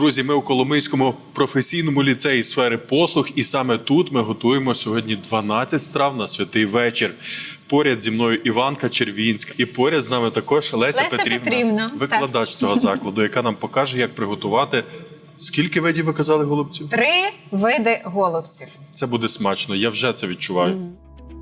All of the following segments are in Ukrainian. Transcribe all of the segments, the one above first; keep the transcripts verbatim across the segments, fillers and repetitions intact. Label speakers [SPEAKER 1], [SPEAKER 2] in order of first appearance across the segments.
[SPEAKER 1] Друзі, ми у Коломийському професійному ліцеї сфери послуг, і саме тут ми готуємо сьогодні дванадцять страв на святий вечір. Поряд зі мною Іванка Червінська, і поряд з нами також Леся,
[SPEAKER 2] Леся
[SPEAKER 1] Петрівна,
[SPEAKER 2] Петрівна,
[SPEAKER 1] викладач
[SPEAKER 2] так.
[SPEAKER 1] цього закладу, яка нам покаже, як приготувати. Скільки видів ви казали голубців?
[SPEAKER 2] Три види голубців.
[SPEAKER 1] Це буде смачно, я вже це відчуваю. Mm.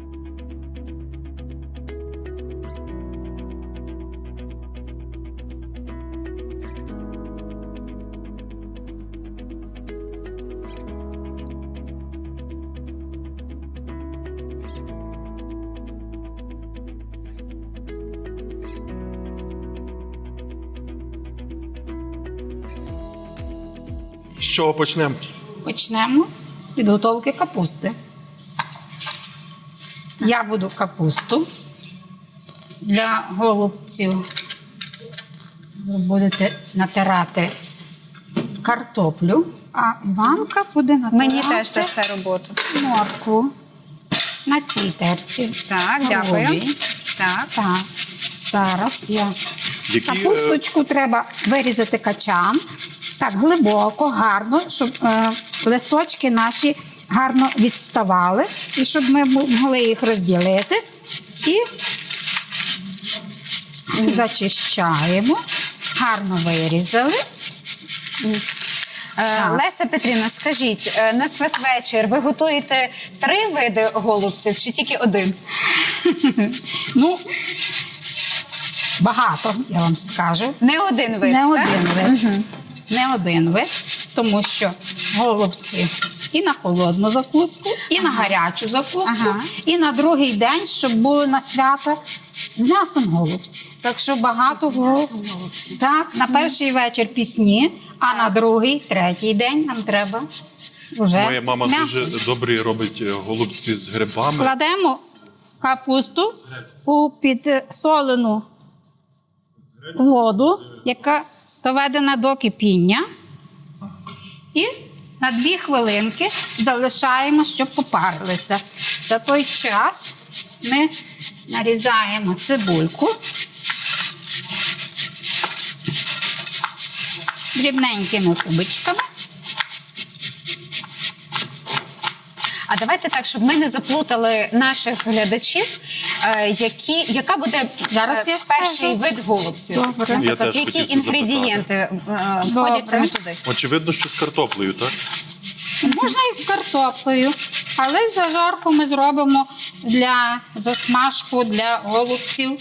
[SPEAKER 1] З чого почнемо?
[SPEAKER 3] Почнемо з підготовки капусти. Я буду капусту. Для голубців ви будете натирати картоплю, а Іванка буде натирати
[SPEAKER 2] Мені теж дасте роботу.
[SPEAKER 3] моркву на цій терці.
[SPEAKER 2] Так,
[SPEAKER 3] Голові.
[SPEAKER 2] дякую. Так.
[SPEAKER 3] Так, зараз я
[SPEAKER 1] Які,
[SPEAKER 3] капусточку треба вирізати качан. Так, глибоко, гарно, щоб е, листочки наші гарно відставали, і щоб ми могли їх розділити. І зачищаємо, гарно вирізали.
[SPEAKER 2] Е, Леся Петрівна, скажіть, е, на святвечір ви готуєте три види голубців чи тільки один?
[SPEAKER 3] Ну, багато, я вам скажу.
[SPEAKER 2] Не один вид,
[SPEAKER 3] Не
[SPEAKER 2] так?
[SPEAKER 3] один вид. Угу. Не один вид, тому що голубці і на холодну закуску, і ага. на гарячу закуску, ага. і на другий день, щоб були на свято з м'ясом голубці. Так що багато голубців. Так, на перший вечір пісні, а на другий, третій день нам треба вже
[SPEAKER 1] Моя мама
[SPEAKER 3] з
[SPEAKER 1] дуже добрі робить голубці з грибами.
[SPEAKER 3] Кладемо капусту у підсолену воду, яка доведена до кипіння. І на дві хвилинки залишаємо, щоб попарилися. За той час ми нарізаємо цибульку дрібненькими кубичками.
[SPEAKER 2] А давайте так, щоб ми не заплутали наших глядачів, е, які, яка буде
[SPEAKER 3] Зараз
[SPEAKER 2] е,
[SPEAKER 3] я
[SPEAKER 2] перший
[SPEAKER 3] скажу.
[SPEAKER 2] вид голубців?
[SPEAKER 3] Добре.
[SPEAKER 1] Я теж
[SPEAKER 2] Які
[SPEAKER 1] хотів це
[SPEAKER 2] інгредієнти е, входять саме туди?
[SPEAKER 1] Очевидно, що з картоплею, так?
[SPEAKER 3] Можна і з картоплею, але зажарку ми зробимо для засмажку для голубців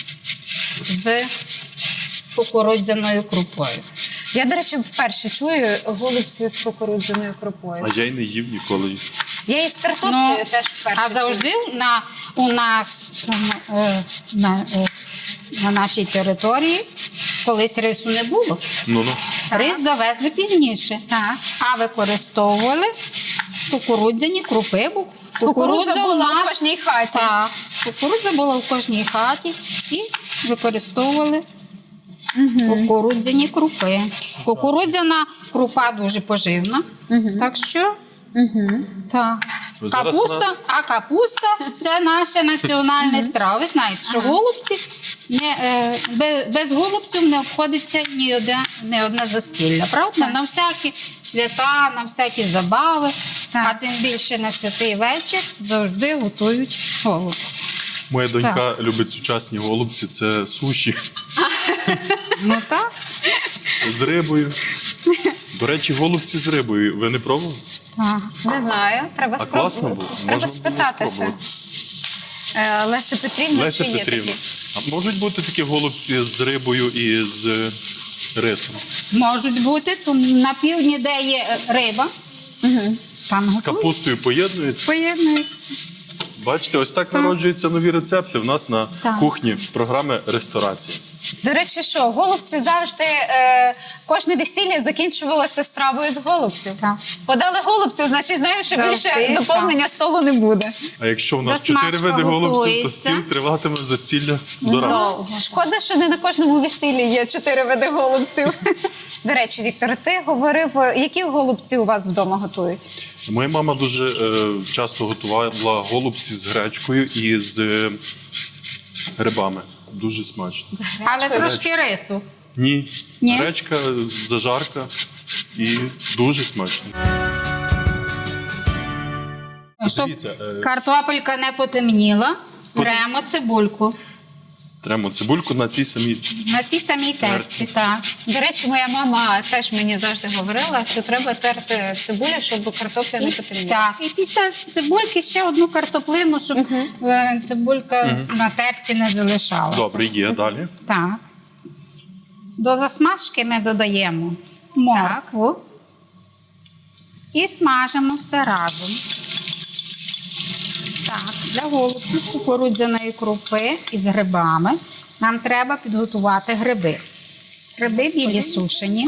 [SPEAKER 3] з кукурудзяною крупою.
[SPEAKER 2] Я, до речі, вперше чую голубці з кукурудзяною крупою.
[SPEAKER 1] А я й не їв ніколи.
[SPEAKER 2] Я і з картоплею теж вперше
[SPEAKER 3] А завжди на, у нас е, на, е, на нашій території колись рису не було.
[SPEAKER 1] Ну-ну.
[SPEAKER 3] Рис завезли пізніше,
[SPEAKER 2] Так.
[SPEAKER 3] а використовували кукурудзяні крупи. Бо
[SPEAKER 2] Кукурудза була
[SPEAKER 3] у нас
[SPEAKER 2] в кожній хаті.
[SPEAKER 3] Так, кукурудза була в кожній хаті і використовували угу. кукурудзяні крупи. Кукурудзяна крупа дуже поживна, угу. так що угу. так. Капуста, нас... а капуста – це наша національна страва. Ви знаєте, що ага. голубці, не, е, без, без голубців не обходиться ні одне, ні одне застілля, правда? Так. На всякі свята, на всякі забави, так. а тим більше на святий вечір завжди готують голубці.
[SPEAKER 1] Моя донька
[SPEAKER 3] так.
[SPEAKER 1] любить сучасні голубці, це суші.
[SPEAKER 3] Ну так.
[SPEAKER 1] З рибою. До речі, голубці з рибою. Ви не пробували?
[SPEAKER 3] Так.
[SPEAKER 2] Не знаю, треба,
[SPEAKER 1] а
[SPEAKER 2] спроб...
[SPEAKER 1] класно було.
[SPEAKER 2] треба
[SPEAKER 1] Можна
[SPEAKER 2] спитатися. Е, Леся Петрівна,
[SPEAKER 1] Леся
[SPEAKER 2] чи є
[SPEAKER 1] Петрівна,
[SPEAKER 2] такі?
[SPEAKER 1] а можуть бути такі голубці з рибою і з рисом?
[SPEAKER 3] Можуть бути. На півдні, де є риба, угу. там
[SPEAKER 1] з
[SPEAKER 3] готують.
[SPEAKER 1] капустою поєднують?
[SPEAKER 3] Поєднуються.
[SPEAKER 1] Бачите, ось так, так народжуються нові рецепти в нас на
[SPEAKER 3] так.
[SPEAKER 1] кухні програми «Ресторація».
[SPEAKER 2] До речі, що, голубці завжди, е, кожне весілля закінчувалося стравою з голубців.
[SPEAKER 3] Так.
[SPEAKER 2] Подали голубців, значить знаємо, що
[SPEAKER 3] Завжди,
[SPEAKER 2] більше доповнення так. столу не буде.
[SPEAKER 1] А якщо в нас
[SPEAKER 3] Засмажка
[SPEAKER 1] чотири види голубців, то
[SPEAKER 3] готується.
[SPEAKER 1] стіл триватиме застілля до ранку.
[SPEAKER 2] Шкода, що не на кожному весіллі є чотири види голубців. До речі, Віктор, ти говорив, які голубці у вас вдома готують?
[SPEAKER 1] Моя мама дуже е, часто готувала голубці з гречкою і з е, грибами. Дуже смачно.
[SPEAKER 3] Але трошки рису.
[SPEAKER 1] Ні.
[SPEAKER 3] Ні?
[SPEAKER 1] Гречка, зажарка. і дуже смачно.
[SPEAKER 3] Щоб
[SPEAKER 1] Дивіться, е,
[SPEAKER 3] картопелька не потемніла, беремо цибульку.
[SPEAKER 1] Тремо цибульку на цій самій.
[SPEAKER 3] На цій самій терці, так.
[SPEAKER 2] До речі, моя мама теж мені завжди говорила, що треба терти цибулю, щоб картопля не
[SPEAKER 3] І,
[SPEAKER 2] потемніла.
[SPEAKER 3] так, і після цибульки ще одну картоплину, щоб е, цибулька з- на терці не залишалася.
[SPEAKER 1] Добре, є далі.
[SPEAKER 3] Так. До засмажки ми додаємо моркву і смажимо все разом. Так, для голубців з кукурудзяної крупи із грибами нам треба підготувати гриби. Гриби білі сушені.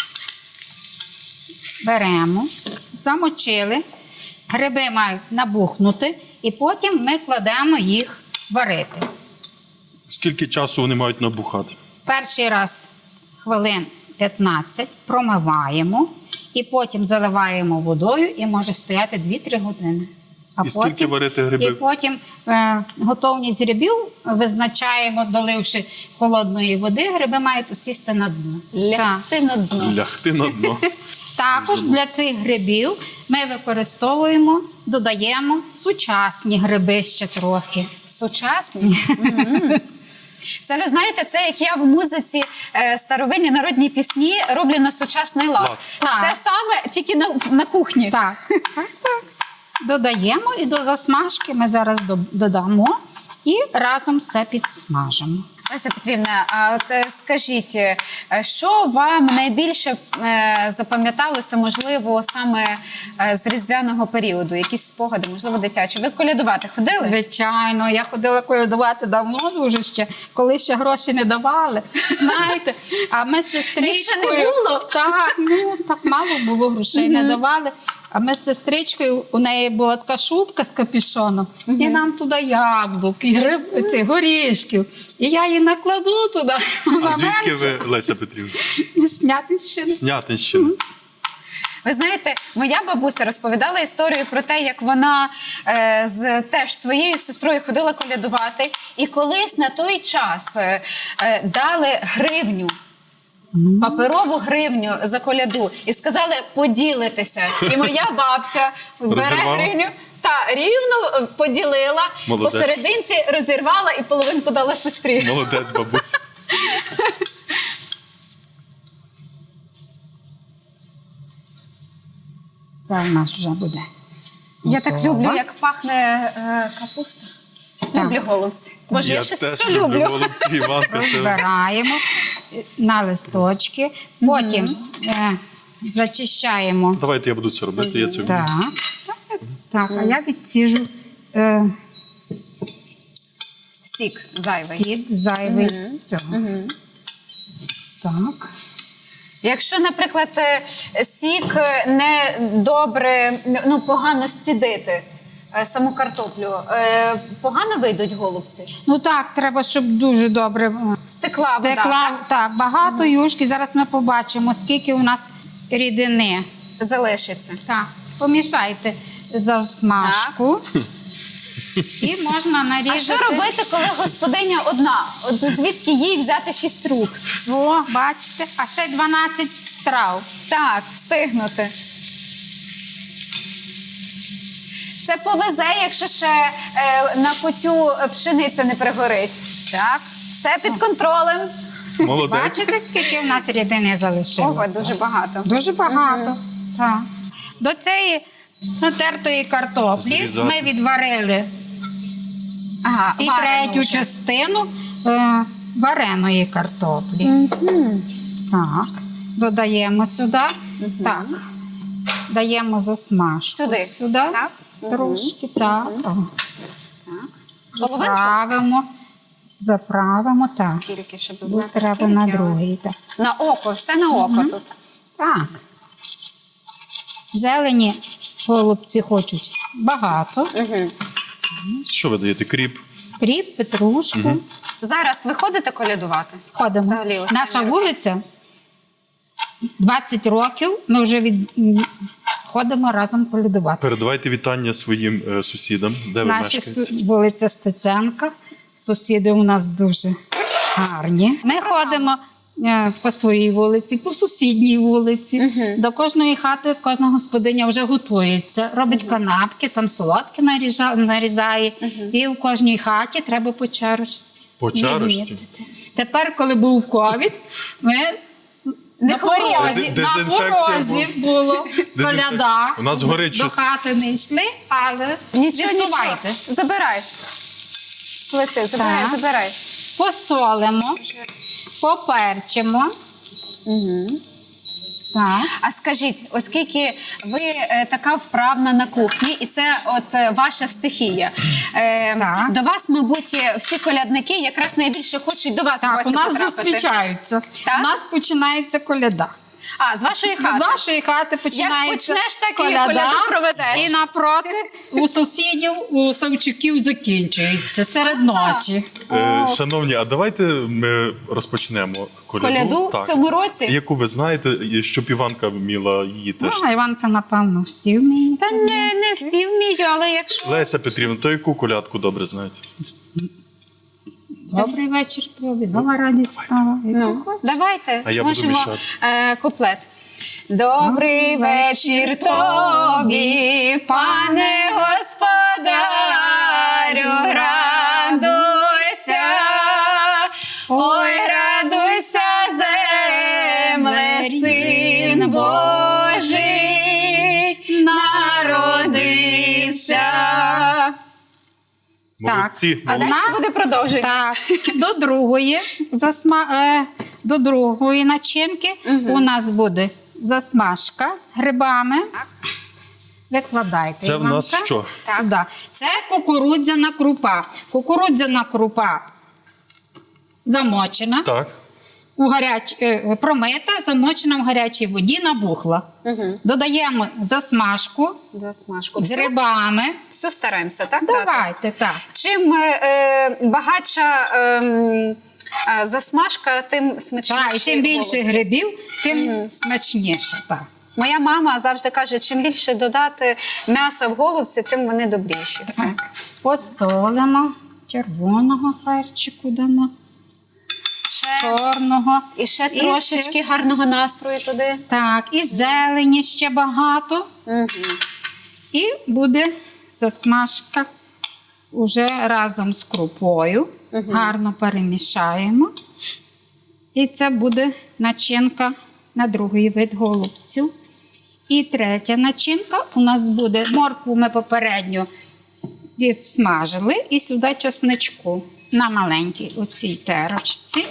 [SPEAKER 3] Беремо, замочили. Гриби мають набухнути і потім ми кладемо їх варити.
[SPEAKER 1] Скільки часу вони мають набухати?
[SPEAKER 3] Перший раз хвилин п'ятнадцять промиваємо і потім заливаємо водою і може стояти дві-три години. А
[SPEAKER 1] І скільки варити гриби?
[SPEAKER 3] І потім е, готовність грибів визначаємо, доливши холодної води, гриби мають усісти на дно.
[SPEAKER 2] Лягти на дно.
[SPEAKER 1] Лягти на дно.
[SPEAKER 3] Також для цих грибів ми використовуємо, додаємо сучасні гриби ще трохи.
[SPEAKER 2] Сучасні. Мгм. Це ви знаєте, це як я в музиці е, старовинні народні пісні роблю на сучасний лад.
[SPEAKER 1] Лад.
[SPEAKER 3] Так.
[SPEAKER 2] Все саме тільки на, на кухні.
[SPEAKER 3] Так, так, так. Додаємо і до засмажки ми зараз до- додамо і разом все підсмажимо.
[SPEAKER 2] Леся Петрівна, а от е, скажіть, е, що вам найбільше е, запам'яталося, можливо, саме е, з різдвяного періоду? Якісь спогади, можливо, дитячі? Ви колядувати ходили?
[SPEAKER 3] Звичайно, я ходила колядувати давно дуже ще, коли ще гроші не давали. Знаєте, а ми з сестричкою...
[SPEAKER 2] Їх ще не було?
[SPEAKER 3] Так, ну так мало було, грошей не давали. А ми з сестричкою, у неї була така шубка з капюшоном, і нам туди яблук, і гриб, ці, горішків. І я її накладу туди.
[SPEAKER 1] А звідки ви, Леся Петрівна?
[SPEAKER 3] Снятися.
[SPEAKER 1] Снятинщина.
[SPEAKER 2] Ви знаєте, моя бабуся розповідала історію про те, як вона е, з теж своєю сестрою ходила колядувати, і колись на той час е, е, дали гривню. Паперову гривню за коляду і сказали поділитися. І моя бабця бере
[SPEAKER 1] Розірвала?
[SPEAKER 2] гривню та рівно е, поділила,
[SPEAKER 1] Молодець.
[SPEAKER 2] посерединці розірвала і половинку дала сестрі.
[SPEAKER 1] Молодець, бабуся.
[SPEAKER 3] Це у нас вже буде.
[SPEAKER 2] Я так
[SPEAKER 3] готова.
[SPEAKER 2] люблю, як пахне е, капуста. Люблю голубці. Боже, я, щось
[SPEAKER 1] теж
[SPEAKER 2] все
[SPEAKER 1] люблю
[SPEAKER 2] люблю.
[SPEAKER 1] голубці, Іванка. Це...
[SPEAKER 3] Розбираємо на листочки, потім е, зачищаємо.
[SPEAKER 1] Давайте я буду це робити, я це вмію.
[SPEAKER 3] Так, так, а я відціжу е,
[SPEAKER 2] Сік зайвий.
[SPEAKER 3] сік зайвий з цього. Так.
[SPEAKER 2] Якщо, наприклад, е, сік не добре, ну погано зцідити е, саму картоплю, е, погано вийдуть голубці?
[SPEAKER 3] Ну так, треба, щоб дуже добре е,
[SPEAKER 2] Стекла вода,
[SPEAKER 3] стекла.
[SPEAKER 2] так?
[SPEAKER 3] Так, багато юшки. Зараз ми побачимо, скільки у нас рідини.
[SPEAKER 2] Залишиться.
[SPEAKER 3] Так, помішайте засмажку. І можна нарізати.
[SPEAKER 2] А що робити, коли господиня одна? От звідки їй взяти шість рук?
[SPEAKER 3] О, бачите, а ще й дванадцять страв.
[SPEAKER 2] Так, встигнути. Це повезе, якщо ще е, на кутю пшениця не пригорить. Так, все під контролем.
[SPEAKER 1] Молодець.
[SPEAKER 3] Бачите, скільки в нас рідини залишилося?
[SPEAKER 2] Ого, дуже багато.
[SPEAKER 3] Дуже багато. Так. До цієї натертої картоплі
[SPEAKER 1] Зрізати.
[SPEAKER 3] ми відварили
[SPEAKER 2] Ага,
[SPEAKER 3] і
[SPEAKER 2] варено
[SPEAKER 3] третю
[SPEAKER 2] вже.
[SPEAKER 3] частину е, вареної картоплі. Так, додаємо сюди. Так, даємо засмажку.
[SPEAKER 2] Сюди?
[SPEAKER 3] Сюди.
[SPEAKER 2] Так?
[SPEAKER 3] Трошки, так. О.
[SPEAKER 2] Половинку?
[SPEAKER 3] Заправимо. Заправимо, так.
[SPEAKER 2] Скільки, щоб
[SPEAKER 3] Бо
[SPEAKER 2] знати,
[SPEAKER 3] треба
[SPEAKER 2] скільки?
[SPEAKER 3] на
[SPEAKER 2] але-
[SPEAKER 3] другий. Так.
[SPEAKER 2] На око, все на око тут.
[SPEAKER 3] Так. Зелені голубці хочуть багато.
[SPEAKER 2] Угу.
[SPEAKER 1] Що ви даєте? Кріп?
[SPEAKER 3] Кріп, петрушку.
[SPEAKER 2] Зараз ви ходите колядувати?
[SPEAKER 3] Ходимо.
[SPEAKER 2] Взагалі, останній
[SPEAKER 3] Наша
[SPEAKER 2] рік.
[SPEAKER 3] вулиця двадцять років. Ми вже від... м, ходимо разом колядувати.
[SPEAKER 1] Передавайте вітання своїм е, сусідам, де ви
[SPEAKER 3] Наша
[SPEAKER 1] мешкаєте.
[SPEAKER 3] су- вулиця Стеценка. Сусіди у нас дуже гарні. Ми ходимо е, по своїй вулиці, по сусідній вулиці. До кожної хати кожна господиня вже готується, робить канапки, там солодки наріжа- нарізає. І в кожній хаті треба по чарочці.
[SPEAKER 1] По чарочці?
[SPEAKER 3] відмітити. Тепер, коли був ковід, ми
[SPEAKER 2] Не
[SPEAKER 3] на
[SPEAKER 2] хворіли.
[SPEAKER 3] порозі,
[SPEAKER 1] Дезін-
[SPEAKER 3] на
[SPEAKER 1] дезінфекція
[SPEAKER 3] порозі було коляда.
[SPEAKER 1] У нас горить
[SPEAKER 3] До
[SPEAKER 1] щось.
[SPEAKER 3] хати не йшли, але
[SPEAKER 2] Нічого, нічого.
[SPEAKER 3] відсувайте.
[SPEAKER 2] Забирай. З плити, забирай,
[SPEAKER 3] Так.
[SPEAKER 2] забирай.
[SPEAKER 3] Посолимо, поперчимо.
[SPEAKER 2] Угу.
[SPEAKER 3] Так.
[SPEAKER 2] А скажіть, оскільки ви е, така вправна на кухні, і це от е, ваша стихія, е,
[SPEAKER 3] Так.
[SPEAKER 2] до вас, мабуть, всі колядники якраз найбільше хочуть до вас в
[SPEAKER 3] Так,
[SPEAKER 2] гості
[SPEAKER 3] у нас
[SPEAKER 2] потрапити.
[SPEAKER 3] зустрічаються.
[SPEAKER 2] Так?
[SPEAKER 3] У нас починається коляда.
[SPEAKER 2] А, з вашої
[SPEAKER 3] З
[SPEAKER 2] хати?
[SPEAKER 3] нашої хати починається
[SPEAKER 2] почнеш, так і
[SPEAKER 3] коляда,
[SPEAKER 2] коляду проведеш.
[SPEAKER 3] і напроти у сусідів, у Савчуків закінчується серед ночі.
[SPEAKER 1] Е, шановні, а давайте ми розпочнемо коляду.
[SPEAKER 2] Коляду в цьому році?
[SPEAKER 1] Яку ви знаєте, і щоб Іванка вміла її теж.
[SPEAKER 3] Ну, а Іванка, напевно, всі вміють.
[SPEAKER 2] Та не, не всі вміють, але якщо...
[SPEAKER 1] Леся Петрівна, то яку колядку добре знаєте?
[SPEAKER 3] Добрий вечір тобі, нова радість стала.
[SPEAKER 2] Ну, давайте,
[SPEAKER 1] А я буду
[SPEAKER 2] можемо
[SPEAKER 1] мішати.
[SPEAKER 2] е, куплет. Добрий вечір тобі, пане господарю, радуйся, ой, радуйся, земле, син Божий народився.
[SPEAKER 1] Молодці,
[SPEAKER 2] А
[SPEAKER 1] молодці.
[SPEAKER 2] далі буде продовження.
[SPEAKER 3] Так, до другої, засма... е, до другої начинки у нас буде засмажка з грибами. Викладайте.
[SPEAKER 1] Це в нас
[SPEAKER 3] Іванка.
[SPEAKER 1] що?
[SPEAKER 3] Сюди. Це кукурудзяна крупа. Кукурудзяна крупа замочена,
[SPEAKER 1] Так.
[SPEAKER 3] у гаряч... е, промита, замочена в гарячій воді, набухла. Додаємо засмажку
[SPEAKER 2] Засмажку.
[SPEAKER 3] з
[SPEAKER 2] Всю,
[SPEAKER 3] грибами.
[SPEAKER 2] всю стараємося, так? дати?
[SPEAKER 3] Давайте, так.
[SPEAKER 2] Чим е, багатша е, е, засмажка, тим смачніше.
[SPEAKER 3] Так, і чим більше
[SPEAKER 2] голубці.
[SPEAKER 3] грибів, тим смачніше. Так.
[SPEAKER 2] Моя мама завжди каже, чим більше додати м'яса в голубці, тим вони добріші. Все.
[SPEAKER 3] Так. Посолимо, червоного перчику дамо,
[SPEAKER 2] Ще,
[SPEAKER 3] чорного.
[SPEAKER 2] і ще
[SPEAKER 3] І
[SPEAKER 2] трошечки гарного настрою туди.
[SPEAKER 3] Так, і зелені ще багато.
[SPEAKER 2] Угу.
[SPEAKER 3] І буде засмажка уже разом з крупою. Гарно перемішаємо. І це буде начинка на другий вид голубців. І третя начинка у нас буде моркву ми попередньо відсмажили. І сюди чесничку на маленькій оцій терочці.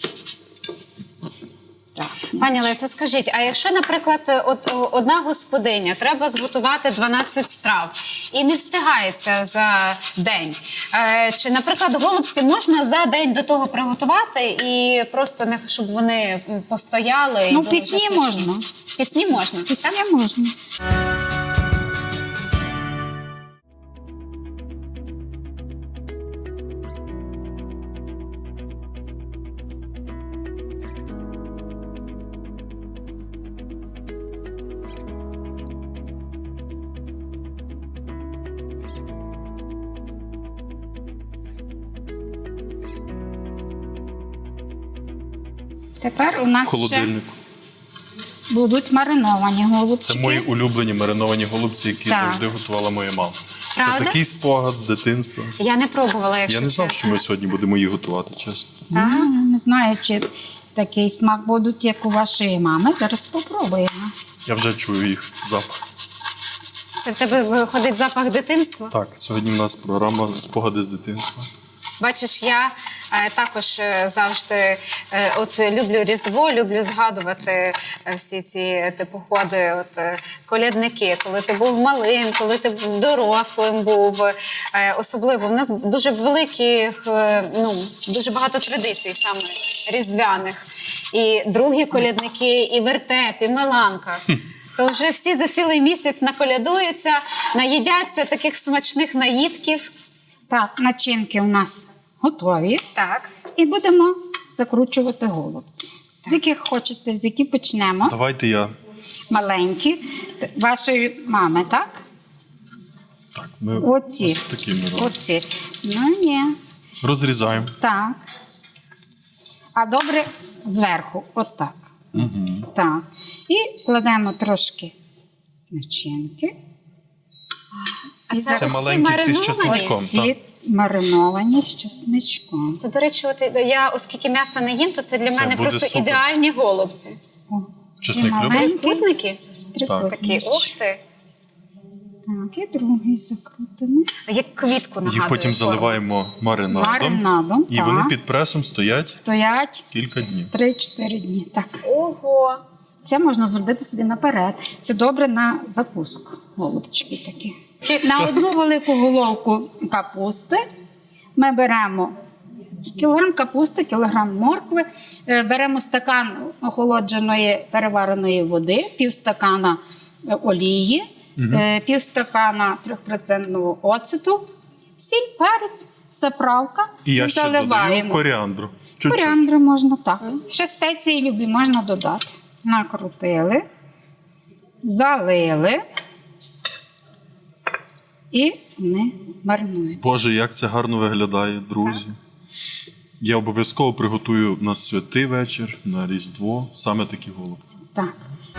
[SPEAKER 3] Так.
[SPEAKER 2] Пані Леся, скажіть, а якщо, наприклад, от, о, одна господиня треба зготувати дванадцять страв і не встигається за день, е, чи, наприклад, голубці можна за день до того приготувати і просто не щоб вони м, постояли? і
[SPEAKER 3] Ну,
[SPEAKER 2] були
[SPEAKER 3] пісні
[SPEAKER 2] вже смачні?
[SPEAKER 3] можна.
[SPEAKER 2] Пісні можна.
[SPEAKER 3] Пісня можна. Тепер у
[SPEAKER 1] В
[SPEAKER 3] нас ще
[SPEAKER 1] холодильнику.
[SPEAKER 3] будуть мариновані голубчики.
[SPEAKER 1] Це мої улюблені мариновані голубці, які
[SPEAKER 3] Так.
[SPEAKER 1] завжди готувала моя мама.
[SPEAKER 2] Правда?
[SPEAKER 1] Це такий спогад з дитинства.
[SPEAKER 2] Я не пробувала, якщо
[SPEAKER 1] Я не знав,
[SPEAKER 2] чесно.
[SPEAKER 1] що ми сьогодні будемо її готувати, чесно.
[SPEAKER 2] Так?
[SPEAKER 3] Ну, не знаю, чи такий смак будуть, як у вашої мами. Зараз спробуємо.
[SPEAKER 1] Я вже чую їх запах.
[SPEAKER 2] Це в тебе виходить запах дитинства?
[SPEAKER 1] Так, сьогодні в нас програма спогади з дитинства.
[SPEAKER 2] Бачиш, я е, також е, завжди е, от люблю Різдво, люблю згадувати е, всі ці е, походи, от е, колядники, коли ти був малим, коли ти був дорослим був. Е, особливо в нас дуже великих, е, ну дуже багато традицій саме різдвяних. І другі колядники, і вертеп, і меланка. То вже всі за цілий місяць наколядуються, наїдяться таких смачних наїдків.
[SPEAKER 3] Так, начинки у нас готові.
[SPEAKER 2] Так.
[SPEAKER 3] І будемо закручувати голубці. З яких хочете, з яких почнемо.
[SPEAKER 1] Давайте я.
[SPEAKER 3] Маленькі. Це вашої мами, так?
[SPEAKER 1] Так, ми
[SPEAKER 3] Оці.
[SPEAKER 1] ось такі ми робимо.
[SPEAKER 3] Оці. Ну, ні.
[SPEAKER 1] Розрізаємо.
[SPEAKER 3] Так. А добре зверху, отак.
[SPEAKER 1] Угу.
[SPEAKER 3] Так. І кладемо трошки начинки.
[SPEAKER 2] А
[SPEAKER 3] І
[SPEAKER 2] це
[SPEAKER 1] Це
[SPEAKER 2] ось ці
[SPEAKER 1] маленькі ці з
[SPEAKER 2] мариновані?
[SPEAKER 1] чесничком.
[SPEAKER 3] Ці мариновані з чесничком.
[SPEAKER 2] Це, до речі, от я, оскільки м'яса не їм, то це для
[SPEAKER 1] Це
[SPEAKER 2] мене
[SPEAKER 1] буде
[SPEAKER 2] просто
[SPEAKER 1] супер.
[SPEAKER 2] ідеальні голубці.
[SPEAKER 3] О,
[SPEAKER 1] Чесник
[SPEAKER 3] і
[SPEAKER 1] любить?
[SPEAKER 3] маленький
[SPEAKER 2] Трикутники?
[SPEAKER 3] трикутничок.
[SPEAKER 2] Такі, ух ти.
[SPEAKER 3] Так, і другий закрутимо.
[SPEAKER 2] Як квітку нагадує.
[SPEAKER 1] Їх потім
[SPEAKER 2] форму.
[SPEAKER 1] заливаємо маринадом.
[SPEAKER 3] Маринадом,
[SPEAKER 1] І
[SPEAKER 3] так.
[SPEAKER 1] вони під пресом стоять
[SPEAKER 3] Стоять
[SPEAKER 1] кілька днів.
[SPEAKER 3] три-чотири дні. Так.
[SPEAKER 2] Ого.
[SPEAKER 3] Це можна зробити собі наперед. Це добре на закуску. Голубчики такі. На одну велику головку капусти ми беремо кілограм капусти, кілограм моркви, е, беремо стакан охолодженої перевареної води, півстакана е, олії, е, півстакана трьохпроцентного оцету, сіль, перець, заправка.
[SPEAKER 1] І я ще додаю
[SPEAKER 3] заливаємо.
[SPEAKER 1] коріандру. Чуть-чуть.
[SPEAKER 3] Коріандру можна так. Ще спеції любі можна додати. Накрутили, залили і вони маринують.
[SPEAKER 1] Боже, як це гарно виглядає, друзі. Я обов'язково приготую на святий вечір, на Різдво, саме такі голубці.
[SPEAKER 3] Так.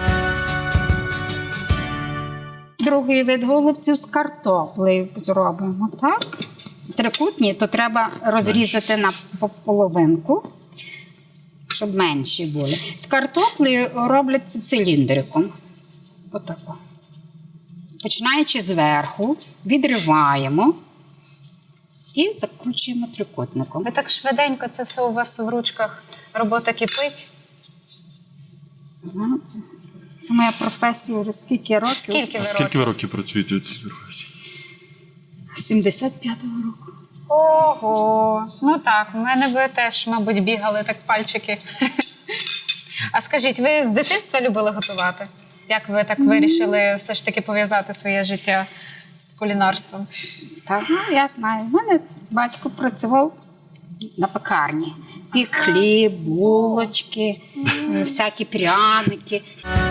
[SPEAKER 3] Другий вид голубців з картоплею зробимо, так? Трикутні, то треба розрізати на по- половинку, щоб менші були. З картоплею роблять це циліндриком. Отако. Починаючи зверху, відриваємо і закручуємо трикутником.
[SPEAKER 2] Ви так швиденько це все у вас в ручках, робота кипить.
[SPEAKER 3] Знаєте, це моя професія вже скільки років?
[SPEAKER 2] Скільки
[SPEAKER 1] А
[SPEAKER 2] ви
[SPEAKER 1] скільки
[SPEAKER 2] років?
[SPEAKER 1] ви років працюєте у цій професії?
[SPEAKER 3] З сімдесят п'ятого року.
[SPEAKER 2] Ого. Ну так, в мене ви теж, мабуть, бігали так пальчики. А скажіть, ви з дитинства любили готувати? Як ви так вирішили все ж таки пов'язати своє життя з кулінарством?
[SPEAKER 3] Так, ну, я знаю. У мене батько працював на пекарні. Пік хліб, булочки, е, всякі пряники.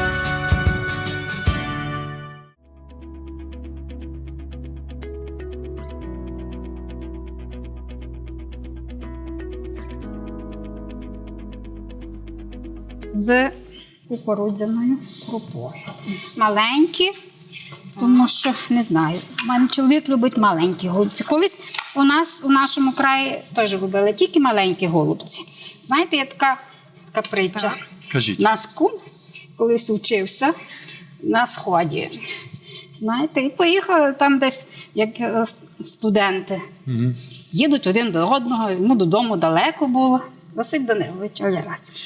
[SPEAKER 3] З кукурудзяною крупою. Маленькі, тому що не знаю. У мене чоловік любить маленькі голубці. Колись у нас у нашому краї теж любили тільки маленькі голубці. Знаєте, є така, така притча.
[SPEAKER 1] Кажіть.
[SPEAKER 3] Наш кум колись вчився на сході. Знаєте, і поїхали там десь, як е, студенти.
[SPEAKER 1] Угу.
[SPEAKER 3] Їдуть один до одного, йому додому далеко було. Василь Данилович Олярацький.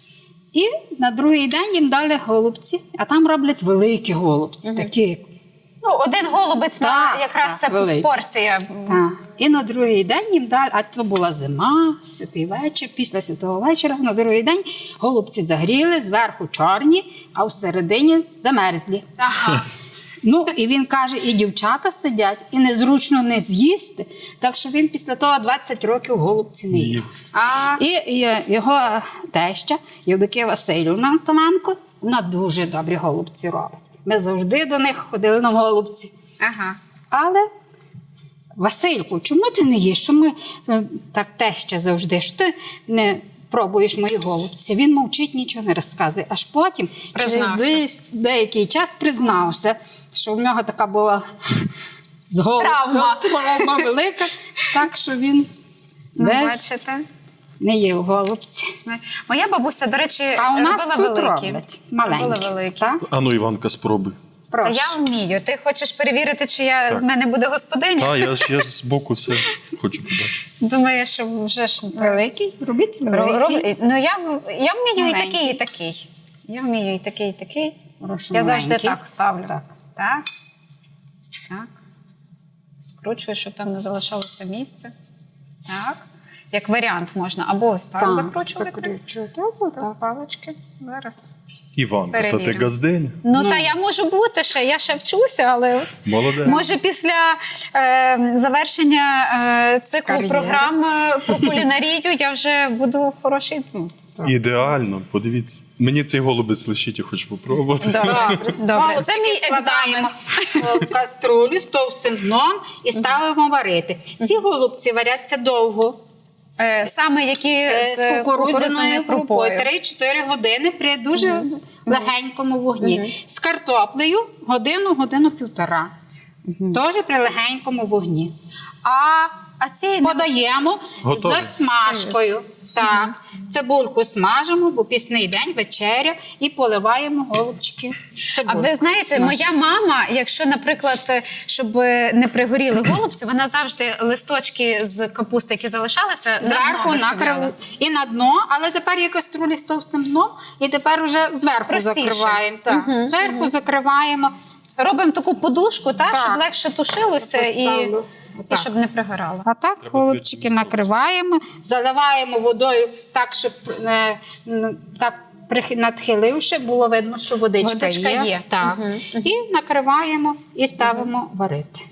[SPEAKER 3] І на другий день їм дали голубці, а там роблять великі голубці, такі.
[SPEAKER 2] Ну, один голубець, та
[SPEAKER 3] Так,
[SPEAKER 2] якраз
[SPEAKER 3] так,
[SPEAKER 2] це
[SPEAKER 3] великий.
[SPEAKER 2] порція.
[SPEAKER 3] Так. І на другий день їм дали, а це була зима, святий вечір, після святого вечора, на другий день голубці загріли, зверху чорні, а всередині замерзлі.
[SPEAKER 2] Ага.
[SPEAKER 3] Ну, і він каже, і дівчата сидять, і незручно не з'їсти, так що він після того двадцять років голубці не їв.
[SPEAKER 2] А
[SPEAKER 3] І, і його теща, Євдокія Васильівна Томенко, вона дуже добрі голубці робить. Ми завжди до них ходили на голубці.
[SPEAKER 2] ага.
[SPEAKER 3] Але, Васильку, чому ти не їш? Чому е, так теща завжди? Що ти не пробуєш мої голубці? Він мовчить, нічого не розказує. Аж потім, через
[SPEAKER 2] Признався.
[SPEAKER 3] десь- деякий час, признався, що в нього така була з голубцем
[SPEAKER 2] Травма.
[SPEAKER 3] травма велика, так що він
[SPEAKER 2] Ну,
[SPEAKER 3] весь
[SPEAKER 2] бачите.
[SPEAKER 3] не їв голубці.
[SPEAKER 2] Моя бабуся, до речі,
[SPEAKER 3] А у нас
[SPEAKER 2] робила
[SPEAKER 3] тут
[SPEAKER 2] великі.
[SPEAKER 3] роблять маленькі.
[SPEAKER 2] Робила великі.
[SPEAKER 3] Так?
[SPEAKER 1] А ну, Іванка, спробуй.
[SPEAKER 2] Та
[SPEAKER 3] Прошу.
[SPEAKER 2] я вмію. Ти хочеш перевірити, чи я
[SPEAKER 1] Так.
[SPEAKER 2] з мене буде господиня?
[SPEAKER 1] Та, я ж, я ж збоку все хочу побачити.
[SPEAKER 2] Думаю, що вже ж
[SPEAKER 3] Великий? Робіть
[SPEAKER 2] Ро-
[SPEAKER 3] великий.
[SPEAKER 2] роб- Ну, я, в- я вмію і
[SPEAKER 3] Маленький.
[SPEAKER 2] такий, і такий. Я вмію і такий, і такий.
[SPEAKER 3] Прошу,
[SPEAKER 2] Я завжди
[SPEAKER 3] маленький.
[SPEAKER 2] так ставлю.
[SPEAKER 3] Так.
[SPEAKER 2] Так. Так. Скручую, щоб там не залишалося місця. Так. Як варіант можна. Або ось так,
[SPEAKER 3] Так,
[SPEAKER 2] закручувати.
[SPEAKER 3] закручувати.
[SPEAKER 2] Так, палички. Зараз.
[SPEAKER 1] Іванка, та ти
[SPEAKER 2] Перевірю.
[SPEAKER 1] газдень.
[SPEAKER 2] Ну, та я можу бути ще, я ще вчуся, але от,
[SPEAKER 1] Молодець.
[SPEAKER 2] може після е, завершення е, циклу
[SPEAKER 3] Кар'єри.
[SPEAKER 2] програм е, про кулінарію я вже буду хороший. Ну,
[SPEAKER 1] Ідеально, подивіться. Мені цей голубець лишіть, я хочу попробувати.
[SPEAKER 2] добре, добре.
[SPEAKER 3] Голубчики
[SPEAKER 2] Це мій екзамен.
[SPEAKER 3] складаємо в каструлю з товстим дном і ставимо варити. Ці голубці варяться довго.
[SPEAKER 2] Е, саме які
[SPEAKER 3] Е,
[SPEAKER 2] з,
[SPEAKER 3] з кукурудзяною крупою.
[SPEAKER 2] крупою.
[SPEAKER 3] три-чотири години при дуже легенькому вогні. З картоплею годину, годину-півтора. Теж при легенькому вогні.
[SPEAKER 2] А, а ці
[SPEAKER 3] Подаємо
[SPEAKER 1] Готові.
[SPEAKER 3] за смажкою. Так, цибульку смажимо, бо пісний день, вечеря, і поливаємо голубчики.
[SPEAKER 2] А
[SPEAKER 3] цибулькою.
[SPEAKER 2] ви знаєте,
[SPEAKER 3] Смажимо.
[SPEAKER 2] моя мама, якщо, наприклад, щоб не пригоріли голубці, вона завжди листочки з капусти, які залишалися,
[SPEAKER 3] Зверху
[SPEAKER 2] виставляла.
[SPEAKER 3] накрив і на дно, але тепер є каструлі з товстим дном, і тепер вже зверху
[SPEAKER 2] Простіше.
[SPEAKER 3] закриваємо. Так,
[SPEAKER 2] Мгм,
[SPEAKER 3] зверху закриваємо.
[SPEAKER 2] Робимо таку подушку, так,
[SPEAKER 3] Так.
[SPEAKER 2] щоб легше тушилося і,
[SPEAKER 3] Поставлю.
[SPEAKER 2] і
[SPEAKER 3] Отак.
[SPEAKER 2] щоб не пригорало.
[SPEAKER 3] А так
[SPEAKER 1] Треба
[SPEAKER 3] голубчики
[SPEAKER 1] дивитися на
[SPEAKER 3] накриваємо, заливаємо водою так, щоб е, н- так прих- надхиливши, було видно, що водичка,
[SPEAKER 2] Водичка
[SPEAKER 3] є.
[SPEAKER 2] є.
[SPEAKER 3] Так.
[SPEAKER 2] Мгм.
[SPEAKER 3] І накриваємо і ставимо варити.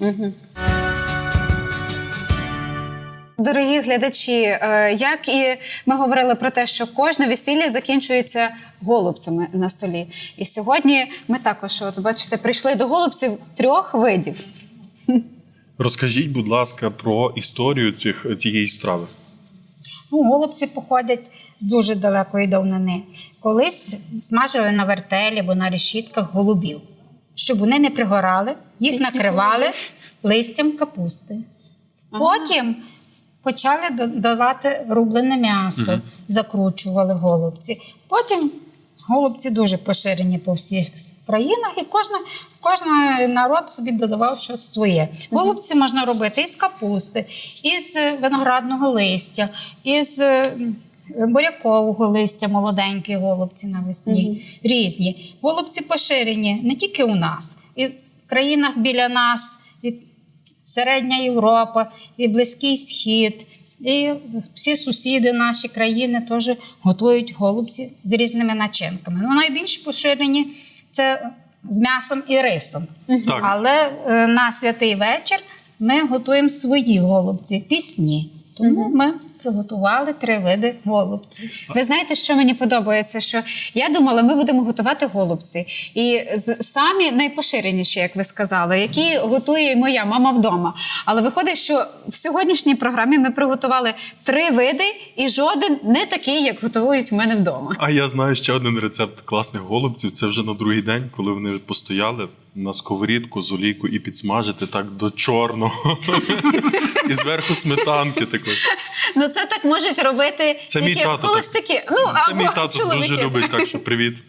[SPEAKER 2] Дорогі глядачі, е, як і ми говорили про те, що кожне весілля закінчується голубцями на столі. І сьогодні ми також, от бачите, прийшли до голубців трьох видів.
[SPEAKER 1] Розкажіть, будь ласка, про історію цих, цієї страви.
[SPEAKER 3] Ну, голубці походять з дуже далекої давнини. Колись смажили на вертелі або на решітках голубів. Щоб вони не пригорали, їх накривали листям капусти. Потім почали додавати рублене м'ясо, закручували голубці. Потім голубці дуже поширені по всіх країнах, і кожна, кожен народ собі додавав щось своє. Голубці можна робити із капусти, із виноградного листя, із м, бурякового листя, молоденькі голубці навесні, різні. Голубці поширені не тільки у нас, і в країнах біля нас, і Середня Європа, і Близький Схід, і всі сусіди наші країни теж готують голубці з різними начинками. Ну, найбільш поширені це з м'ясом і рисом.
[SPEAKER 1] Так.
[SPEAKER 3] Але е, на святий вечір ми готуємо свої голубці, пісні. Тому ми приготували три види голубців.
[SPEAKER 2] Ви знаєте, що мені подобається? Що я думала, ми будемо готувати голубці. І з- самі найпоширеніші, як ви сказали, які готує моя мама вдома. Але виходить, що в сьогоднішній програмі ми приготували три види, і жоден не такий, як готують в мене вдома.
[SPEAKER 1] А я знаю ще один рецепт класних голубців. Це вже на другий день, коли вони постояли на сковорідку з олійкою і підсмажити так до чорного. І зверху сметанки такої.
[SPEAKER 2] Ну це так можуть робити
[SPEAKER 1] Це мій
[SPEAKER 2] тільки
[SPEAKER 1] тато. так.
[SPEAKER 2] холостяки. Ну,
[SPEAKER 1] Це
[SPEAKER 2] або
[SPEAKER 1] мій тато
[SPEAKER 2] чоловіки.
[SPEAKER 1] дуже любить, так що привіт.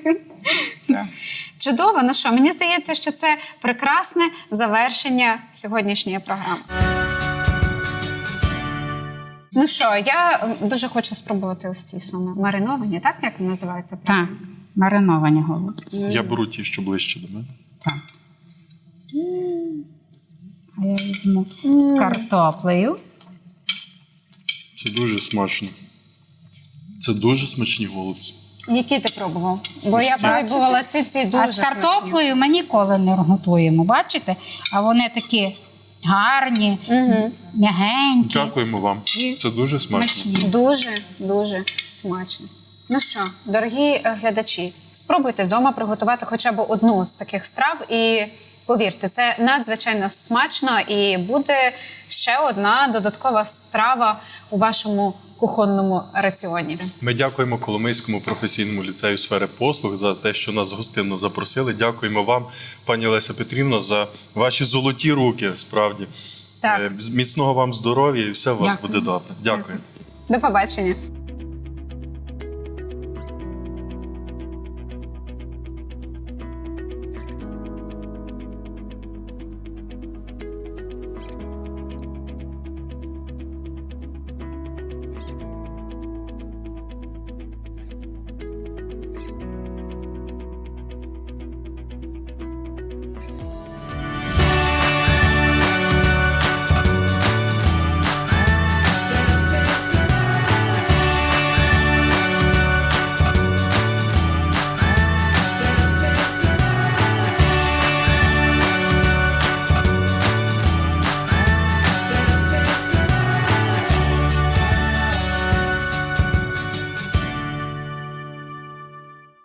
[SPEAKER 2] Чудово. Ну що, мені здається, що це прекрасне завершення сьогоднішньої програми. Ну що, я м, дуже хочу спробувати ось ці саме мариновані, так як називається?
[SPEAKER 3] Так, мариновані голубці.
[SPEAKER 1] Я беру ті, що ближче до мене.
[SPEAKER 3] Так. А я візьму з картоплею.
[SPEAKER 1] Це дуже смачно. Це дуже смачні голубці.
[SPEAKER 2] Які ти пробував? Бо я
[SPEAKER 1] Ось ці.
[SPEAKER 2] пробувала ці, ці дуже
[SPEAKER 3] А з картоплею ми ніколи не готуємо, бачите? А вони такі гарні, м'ягенькі.
[SPEAKER 1] Дякуємо вам. Це дуже смачно.
[SPEAKER 3] Смачні.
[SPEAKER 2] Дуже, дуже смачно. Ну що, дорогі е, глядачі, спробуйте вдома приготувати хоча б одну з таких страв і повірте, це надзвичайно смачно і буде ще одна додаткова страва у вашому кухонному раціоні.
[SPEAKER 1] Ми дякуємо Коломийському професійному ліцею сфери послуг за те, що нас гостинно запросили. Дякуємо вам, пані Леся Петрівна, за ваші золоті руки, справді.
[SPEAKER 2] Так.
[SPEAKER 1] Е, Міцного вам здоров'я і все у вас
[SPEAKER 3] Дякую.
[SPEAKER 1] буде добре. Дякую.
[SPEAKER 2] До побачення.